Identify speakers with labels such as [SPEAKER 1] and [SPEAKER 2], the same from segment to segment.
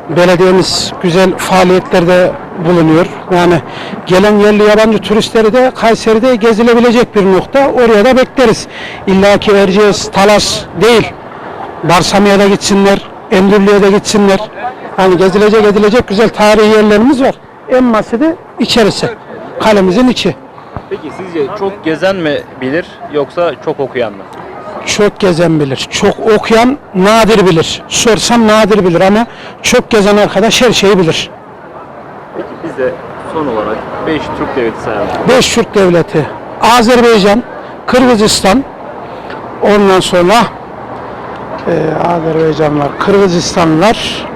[SPEAKER 1] Belediyemiz güzel faaliyetlerde bulunuyor. Yani gelen yerli yabancı turistleri de Kayseri'de gezilebilecek bir nokta. Oraya da bekleriz. İlla ki Erciyes, Talas değil. Barsamya'ya da gitsinler, Endürlü'ye de gitsinler. Hani gezilecek edilecek güzel tarihi yerlerimiz var. En basiti içerisi. Kalemizin içi.
[SPEAKER 2] Peki sizce çok gezen mi bilir yoksa çok okuyan mı?
[SPEAKER 1] Çok gezen bilir. Çok okuyan nadir bilir. Sorsam nadir bilir ama çok gezen arkadaş her şeyi bilir.
[SPEAKER 2] Peki bize son olarak 5 Türk devleti sayalım.
[SPEAKER 1] 5 Türk devleti. Azerbaycan, Kırgızistan, ondan sonra Azerbaycanlar, Kırgızistanlılar,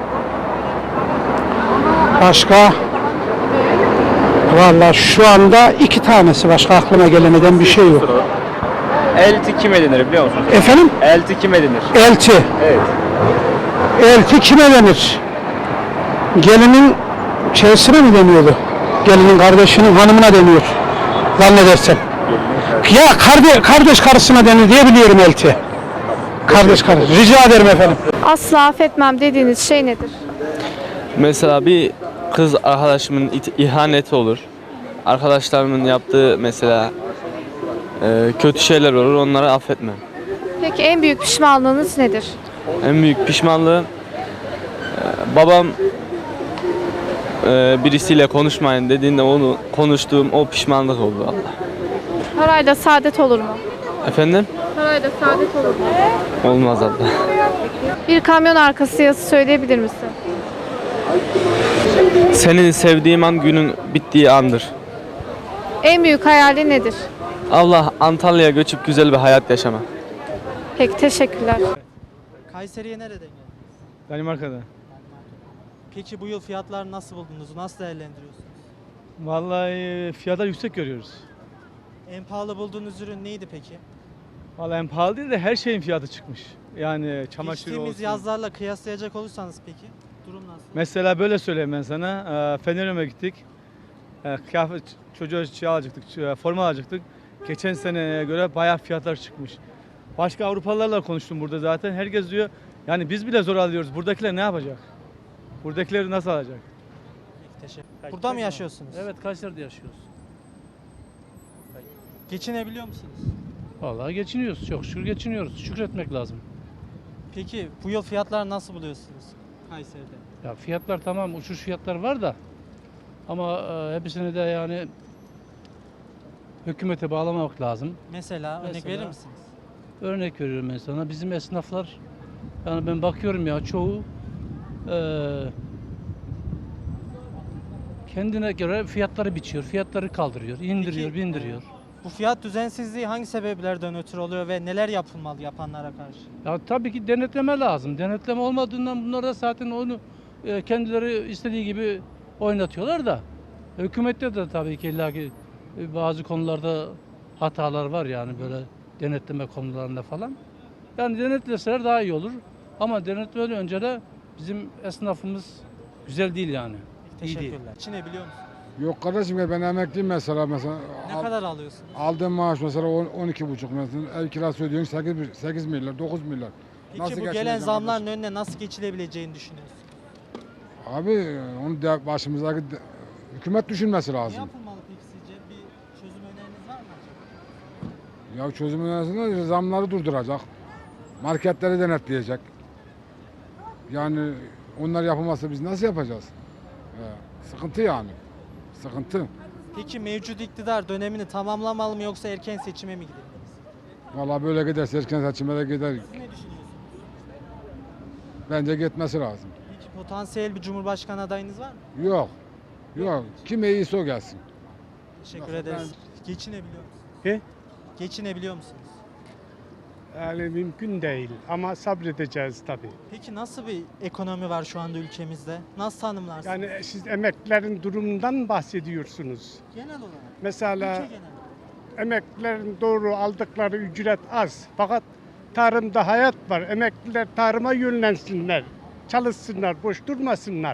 [SPEAKER 1] başka vallahi şu anda 2 tanesi, başka aklıma gelemeden bir şey yok.
[SPEAKER 2] Elti kime denir biliyor musunuz?
[SPEAKER 1] Efendim?
[SPEAKER 2] Elti kime denir?
[SPEAKER 1] Elti.
[SPEAKER 2] Evet.
[SPEAKER 1] Elti kime denir? Gelinin şeysine mi deniyordu? Gelinin kardeşinin hanımına deniyor. Zannedersem. Ya kardeş karısına denir diye biliyorum elti. Kardeş karı. Rica ederim efendim.
[SPEAKER 3] Asla affetmem dediğiniz şey nedir?
[SPEAKER 4] Mesela bir kız arkadaşımın ihaneti olur. Arkadaşlarımın yaptığı mesela kötü şeyler olur, onları affetmem.
[SPEAKER 3] Peki en büyük pişmanlığınız nedir?
[SPEAKER 4] En büyük pişmanlığı babam birisiyle konuşmayın dediğinde onu konuştuğum o pişmanlık oldu Allah.
[SPEAKER 3] Parayla saadet olur mu?
[SPEAKER 4] Efendim?
[SPEAKER 3] Parayla saadet olur mu?
[SPEAKER 4] Olmaz Allah.
[SPEAKER 3] Bir kamyon arkası yazısı söyleyebilir misin?
[SPEAKER 4] Senin sevdiğim an günün bittiği andır.
[SPEAKER 3] En büyük hayali nedir?
[SPEAKER 4] Allah Antalya'ya göçüp güzel bir hayat yaşama.
[SPEAKER 3] Peki teşekkürler.
[SPEAKER 5] Kayseri'ye nereden geldiniz?
[SPEAKER 6] Danimarka'da.
[SPEAKER 5] Peki bu yıl fiyatlar nasıl buldunuz? Nasıl değerlendiriyorsunuz?
[SPEAKER 6] Vallahi fiyatlar yüksek görüyoruz.
[SPEAKER 5] En pahalı bulduğunuz ürün neydi peki?
[SPEAKER 6] Vallahi en pahalı değil de her şeyin fiyatı çıkmış. Yani çamaşır
[SPEAKER 5] Geçtiğimiz
[SPEAKER 6] olsun.
[SPEAKER 5] yazlarla kıyaslayacak olursanız peki durum nasıl?
[SPEAKER 6] Mesela böyle söyleyeyim ben sana. Fener'e gittik. Kıyafet çocuğa şey alacaktık, forma alacaktık. Geçen seneye göre bayağı fiyatlar çıkmış. Başka Avrupalılarla konuştum burada zaten. Herkes diyor yani biz bile zor alıyoruz. Buradakiler ne yapacak? Buradakileri nasıl alacak?
[SPEAKER 5] Peki, teşekkür. Burada mı yaşıyorsunuz?
[SPEAKER 7] Evet, Kayseri'de yaşıyoruz.
[SPEAKER 5] Geçinebiliyor musunuz?
[SPEAKER 7] Vallahi geçiniyoruz. Çok şükür geçiniyoruz. Şükretmek lazım.
[SPEAKER 5] Peki bu yıl fiyatlar nasıl buluyorsunuz Kayseri'de?
[SPEAKER 7] Ya fiyatlar tamam, uçuş fiyatlar var da ama hepsini de yani hükümete bağlamamak lazım.
[SPEAKER 5] Mesela örnek
[SPEAKER 7] Mesela-
[SPEAKER 5] verir misiniz?
[SPEAKER 7] Örnek veriyorum ben sana. Bizim esnaflar, yani ben bakıyorum ya çoğu kendine göre fiyatları biçiyor, fiyatları kaldırıyor, indiriyor,
[SPEAKER 5] Peki,
[SPEAKER 7] bindiriyor.
[SPEAKER 5] Bu fiyat düzensizliği hangi sebeplerden ötürü oluyor ve neler yapılmalı yapanlara karşı?
[SPEAKER 7] Ya tabii ki denetleme lazım. Denetleme olmadığından bunlar da zaten onu kendileri istediği gibi oynatıyorlar da. Hükümette de tabii ki illaki bazı konularda hatalar var yani böyle denetleme konularında falan. Yani denetleseler daha iyi olur. Ama denetlemeden önce de bizim esnafımız güzel değil yani. İyi değil.
[SPEAKER 5] Teşekkürler. Geçinebiliyor musunuz?
[SPEAKER 8] Yok kardeşim ya ben emekliyim mesela.
[SPEAKER 5] Ne kadar alıyorsunuz?
[SPEAKER 8] Aldığım maaş mesela 12,5 mesela. Ev kirası ödüyorsun 8 milyar 9 milyar.
[SPEAKER 5] Peki
[SPEAKER 8] Nasıl
[SPEAKER 5] bu gelen
[SPEAKER 8] geçineceğim
[SPEAKER 5] zamların
[SPEAKER 8] kardeşim?
[SPEAKER 5] önüne nasıl geçilebileceğini düşünüyorsunuz?
[SPEAKER 8] Abi onu başımızdaki hükümet düşünmesi
[SPEAKER 5] Ne
[SPEAKER 8] lazım.
[SPEAKER 5] yapılmalı peki sizce? Bir çözüm öneriniz var mı?
[SPEAKER 8] Ya çözümün arasında zamları durduracak. Marketleri denetleyecek. Yani onlar yapılmazsa biz nasıl yapacağız? Sıkıntı yani. Sıkıntı.
[SPEAKER 5] Peki mevcut iktidar dönemini tamamlamalı mı yoksa erken seçime mi gidilmeliyiz?
[SPEAKER 8] Vallahi böyle giderse erken seçime de gider.
[SPEAKER 5] Siz ne düşünüyorsunuz?
[SPEAKER 8] Bence gitmesi lazım.
[SPEAKER 5] Peki potansiyel bir cumhurbaşkanı adayınız var mı?
[SPEAKER 8] Yok. Yok. Kim iyiyse o gelsin.
[SPEAKER 5] Teşekkür ederiz. Geçinebiliyor musunuz?
[SPEAKER 9] He?
[SPEAKER 5] Geçinebiliyor musunuz?
[SPEAKER 9] Yani mümkün değil ama sabredeceğiz tabii.
[SPEAKER 5] Peki nasıl bir ekonomi var şu anda ülkemizde? Nasıl tanımlarsınız?
[SPEAKER 9] Yani siz emeklilerin durumundan bahsediyorsunuz.
[SPEAKER 5] genel olarak.
[SPEAKER 9] Mesela
[SPEAKER 5] Ülke genel.
[SPEAKER 9] emeklilerin doğru aldıkları ücret az. Fakat tarımda hayat var. Emekliler tarıma yönlensinler. Çalışsınlar, boş durmasınlar.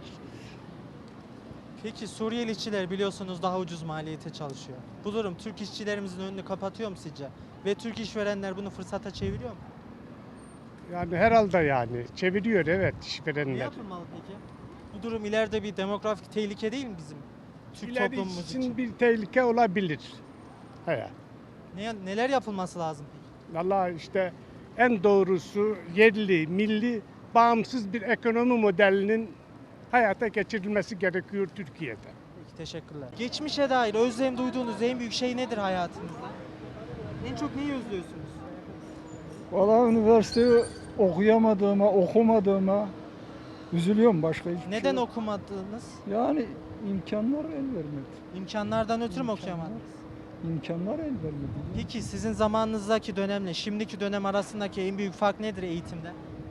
[SPEAKER 5] Peki Suriyeli işçiler biliyorsunuz daha ucuz maliyete çalışıyor. Bu durum Türk işçilerimizin önünü kapatıyor mu sizce? Ve Türk işverenler bunu fırsata çeviriyor mu?
[SPEAKER 9] Yani herhalde yani çeviriyor evet
[SPEAKER 5] Ne
[SPEAKER 9] işverenler.
[SPEAKER 5] yapılmalı peki? Bu durum ileride bir demografik tehlike değil mi bizim Türk
[SPEAKER 9] İleri
[SPEAKER 5] toplumumuz
[SPEAKER 9] için
[SPEAKER 5] için?
[SPEAKER 9] bir tehlike olabilir. He.
[SPEAKER 5] Neler yapılması lazım peki?
[SPEAKER 9] Vallahi işte en doğrusu yerli, milli, bağımsız bir ekonomi modelinin hayata geçirilmesi gerekiyor Türkiye'de.
[SPEAKER 5] Peki, teşekkürler. Geçmişe dair özlem duyduğunuz en büyük şey nedir hayatınızda? En çok neyi özlüyorsunuz?
[SPEAKER 10] Valla üniversiteyi okumadığıma üzülüyorum, başka hiçbir
[SPEAKER 5] Neden
[SPEAKER 10] şey yok.
[SPEAKER 5] okumadınız?
[SPEAKER 10] Yani imkanlar el vermedi.
[SPEAKER 5] İmkanlardan ötürü mü
[SPEAKER 10] İmkanlar.
[SPEAKER 5] okuyamadınız?
[SPEAKER 10] İmkanlar el vermedi.
[SPEAKER 5] Peki sizin zamanınızdaki dönemle şimdiki dönem arasındaki en büyük fark nedir eğitimde?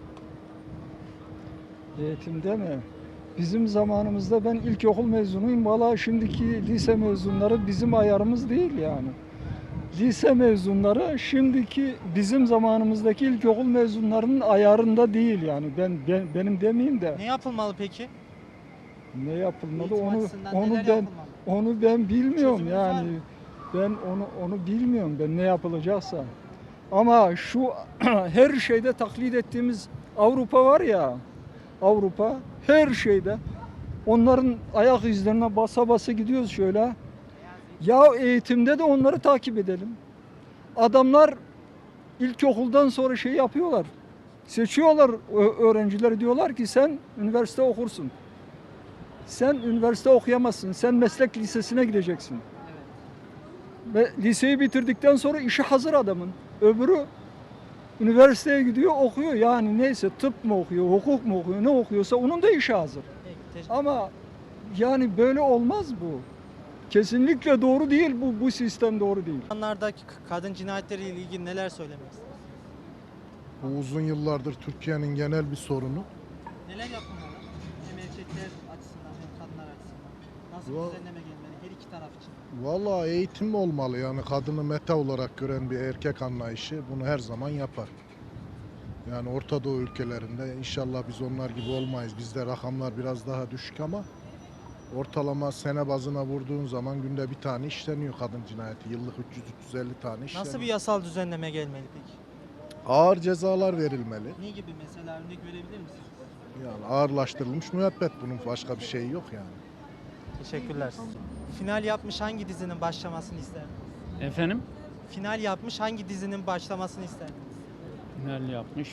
[SPEAKER 10] Eğitimde mi? Bizim zamanımızda ben ilkokul mezunuyum. Valla şimdiki lise mezunları bizim ayarımız değil yani. Lise mezunları şimdiki bizim zamanımızdaki ilkokul mezunlarının ayarında değil yani. Benim demeyeyim de
[SPEAKER 5] Ne yapılmalı peki?
[SPEAKER 10] ne yapılmalı
[SPEAKER 5] Eğitim
[SPEAKER 10] onu
[SPEAKER 5] açısından
[SPEAKER 10] onu
[SPEAKER 5] neler
[SPEAKER 10] ben
[SPEAKER 5] yapılmalı?
[SPEAKER 10] onu ben bilmiyorum
[SPEAKER 5] Çözümünüz var
[SPEAKER 10] yani.
[SPEAKER 5] mı?
[SPEAKER 10] Ben onu bilmiyorum ben ne yapılacaksa. Ama şu her şeyde taklit ettiğimiz Avrupa var ya. Avrupa her şeyde onların ayak izlerine basa basa gidiyoruz şöyle. Ya eğitimde de onları takip edelim. Adamlar ilkokuldan sonra şey yapıyorlar. Seçiyorlar öğrencileri, diyorlar ki sen üniversite okursun. Sen üniversite okuyamazsın. Sen meslek lisesine gideceksin. Ve liseyi bitirdikten sonra işi hazır adamın. Öbürü üniversiteye gidiyor, okuyor. Yani neyse tıp mı okuyor, hukuk mu okuyor, ne okuyorsa onun da işi hazır.
[SPEAKER 5] Peki,
[SPEAKER 10] Ama yani böyle olmaz bu. Kesinlikle doğru değil bu sistem doğru değil.
[SPEAKER 5] zamanlardaki kadın cinayetleriyle ilgili neler söylemek istersiniz?
[SPEAKER 11] Bu uzun yıllardır Türkiye'nin genel bir sorunu.
[SPEAKER 5] Neler yapılmalı? Hem erkekler açısından hem kadınlar açısından. Nasıl bir düzenleme gelmeli her iki taraf için?
[SPEAKER 11] Vallahi eğitim olmalı, yani kadını meta olarak gören bir erkek anlayışı bunu her zaman yapar. Yani Orta Doğu ülkelerinde inşallah biz onlar gibi olmayız. Bizde rakamlar biraz daha düşük ama ortalama sene bazına vurduğun zaman günde bir tane işleniyor kadın cinayeti. Yıllık 300-350 tane işleniyor.
[SPEAKER 5] Nasıl bir yasal düzenleme gelmeli peki?
[SPEAKER 11] Ağır cezalar verilmeli.
[SPEAKER 5] Ne gibi mesela örnek verebilir misiniz?
[SPEAKER 11] Yani ağırlaştırılmış müebbet, bunun başka bir şeyi yok yani.
[SPEAKER 5] Teşekkürler. Final yapmış hangi dizinin başlamasını isterdiniz?
[SPEAKER 7] Efendim?
[SPEAKER 5] Final yapmış hangi dizinin başlamasını isterdiniz?
[SPEAKER 7] Final yapmış.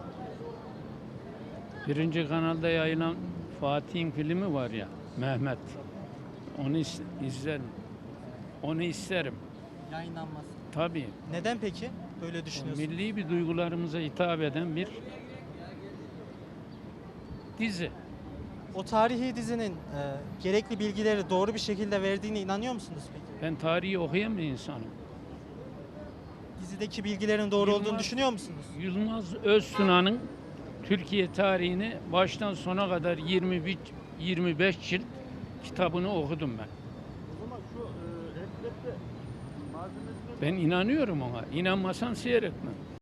[SPEAKER 7] Birinci kanalda yayılan Fatih'in filmi var ya, Mehmet. Onu izlerim. Onu isterim.
[SPEAKER 5] Yayınlanması.
[SPEAKER 7] Tabii.
[SPEAKER 5] Neden peki böyle düşünüyorsunuz?
[SPEAKER 7] Milli bir duygularımıza hitap eden bir dizi.
[SPEAKER 5] O tarihi dizinin gerekli bilgileri doğru bir şekilde verdiğine inanıyor musunuz peki?
[SPEAKER 7] Ben tarihi okuyan bir insanım.
[SPEAKER 5] Dizideki bilgilerin doğru olduğunu düşünüyor musunuz?
[SPEAKER 7] Yılmaz Öztuna'nın Türkiye tarihini baştan sona kadar 25 cilt kitabını okudum ben. Ben inanıyorum ona. İnanmasan seyretmem.